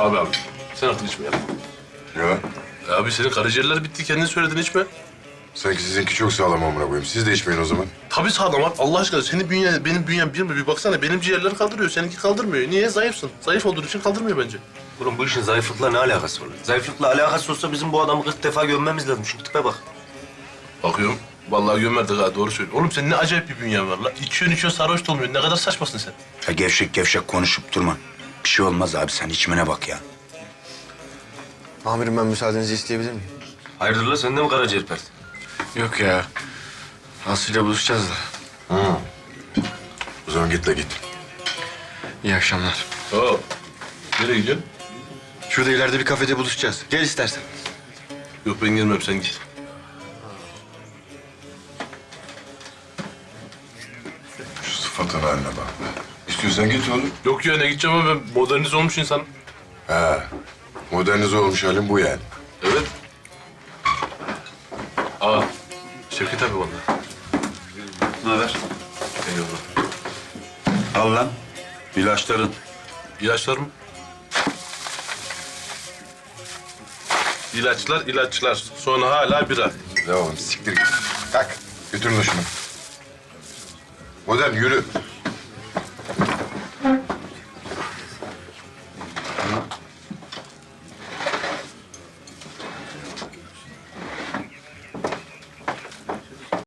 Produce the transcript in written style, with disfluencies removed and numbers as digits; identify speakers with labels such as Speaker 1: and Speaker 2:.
Speaker 1: Abi sen artık içme ya.
Speaker 2: Ya
Speaker 1: Abi senin karaciğerler bitti, kendin söyledin içme.
Speaker 2: sanki sizinki çok sağlam amına koyayım. Siz de içmeyin o zaman.
Speaker 1: Tabii sağlam abi. Allah aşkına senin bünyen, benim bünyem bir mi? Bir baksana benim ciğerler kaldırıyor, seninki kaldırmıyor. Niye? Zayıfsın. Zayıf olduğun için kaldırmıyor bence.
Speaker 3: Oğlum bu işin zayıflıkla ne alakası var? Zayıflıkla alakası olsa bizim bu adamı 40 defa gömmemiz lazım. Şu tipe bak.
Speaker 1: Bakıyorum. Vallahi gömerdik ha, doğru söylüyorsun. Oğlum senin ne acayip bir bünyen var la. İçiyorsun sarhoş da olmuyorsun. Ne kadar saçmasın sen.
Speaker 4: Ya gevşek gevşek konuşup durma. Bir şey olmaz abi, sen içmene bak ya.
Speaker 5: Amirim ben müsaadenizi isteyebilir miyim?
Speaker 3: Hayırdır la sen de mi karaciğer pert?
Speaker 5: Yok ya. Aslı'yla buluşacağız da.
Speaker 2: O zaman git de git.
Speaker 5: İyi akşamlar.
Speaker 1: Oo. Nereye gidiyorsun?
Speaker 5: Şurada ileride bir kafede buluşacağız. Gel istersen.
Speaker 1: Yok ben gelmem, sen git.
Speaker 2: Şu sıfatın haline bak be. İstiyorsan git oğlum.
Speaker 1: Yok ya, ne gideceğim ama ben modernize olmuş insanım.
Speaker 2: Ha. Modernize olmuş halin bu yani.
Speaker 1: Evet. Aa, Şevket abi vallahi.
Speaker 6: Ne haber?
Speaker 1: Eyvallah.
Speaker 6: Al lan. İlaçların.
Speaker 1: İlaçlar mı? İlaçlar, ilaçlar. Sonra hala bira.
Speaker 2: Ya oğlum siktir git. Kalk. Götürün de şunu. Modern yürü.